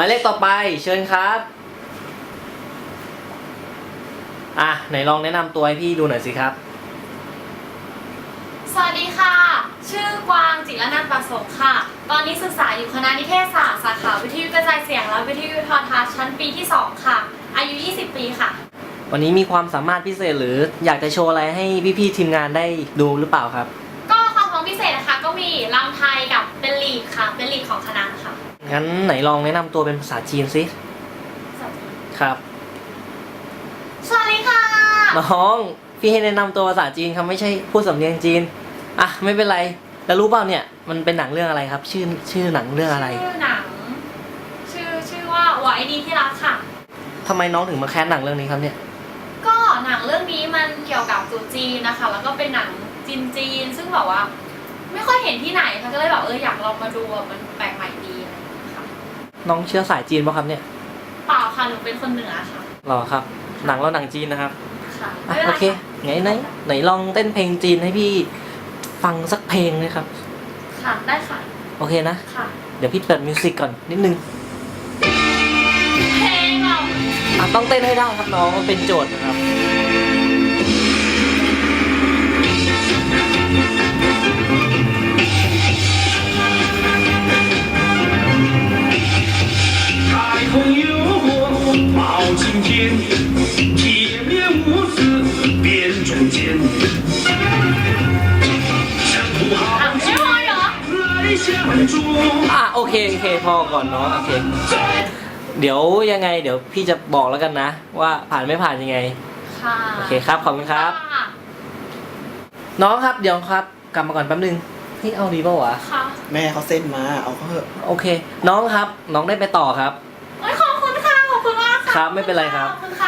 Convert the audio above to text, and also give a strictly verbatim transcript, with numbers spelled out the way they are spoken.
ายเลขต่อไปเชิญครับอ่ะไหนลองแนะนำตัวให้พี่ดูหน่อยสิครับสวัสดีค่ะชื่อกวางจิรนันท์ประสงค์ค่ะตอนนี้ศึกษาอยู่คณะนิเทศศาสตร์สาขาวิทยุกระจายเสียงและวิทยุโทรทัศน์ชั้นปีที่สองค่ะอายุยี่สิบปีค่ะวันนี้มีความสามารถพิเศษหรืออยากจะโชว์อะไรให้พี่ๆทีมงานได้ดูหรือเปล่าครับก็ความพร้อมพิเศษนะคะก็มีรำไทยกับเป็นลีดค่ะเป็นลีดของคณะค่ะงั้นไหนลองแนะนำตัวเป็นภาษาจีนสิครับสวัสดีค่ะน้องพี่ให้แนะนำตัวภาษาจีนครับไม่ใช่พูดสำเนียงจีนอ่ะไม่เป็นไรแล้วรู้เปล่าเนี่ยมันเป็นหนังเรื่องอะไรครับชื่อชื่อหนังเรื่องอะไรชื่อหนังชื่อชื่อว่าไว้ดีที่รักค่ะทำไมน้องถึงมาแคสหนังเรื่องนี้ครับเนี่ยก็หนังเรื่องนี้มันเกี่ยวกับจุจีนนะคะแล้วก็เป็นหนังจีนจีนซึ่งแบบว่าไม่ค่อยเห็นที่ไหนค่ะก็เลยแบบเอออยากลองมาดูมันแปลกใหม่ดีค่ะน้องเชื้อสายจีนป่ะครับเนี่ยเปล่าค่ะหนูเป็นคนเหนือค่ะหรอครับหนังเราหนังจีนนะครับค่ะโอเคไหนไหนไหนลองเต้นเพลงจีนให้พี่ฟังสักเพลงเลยครับค่ะได้ค่ะโอเคนะค่ะเดี๋ยวพี่เปิดมิวสิกก่อนนิดนึงเพลงเราอ่ะต้องเต้นให้ได้ครับน้องมันเป็นโจทย์นะครับอ่ะโอเคโอเคพอก่อนเนาะโอเคเดี๋ยวยังไงเดี๋ยวพี่จะบอกแล้วกันนะว่าผ่านไม่ผ่านยังไงค่ะโอเคครับขอบคุณครับน้องครับเดี๋ยวครับกลับมาก่อนแป๊บนึงพี่เอาดีป่าวะค่ะแม่เขาเส้นมาเอาเขาเถอะโอเคน้องครับน้องได้ไปต่อครับขอบคุณค่ะขอบคุณมากค่ะครับไม่เป็นไรครับ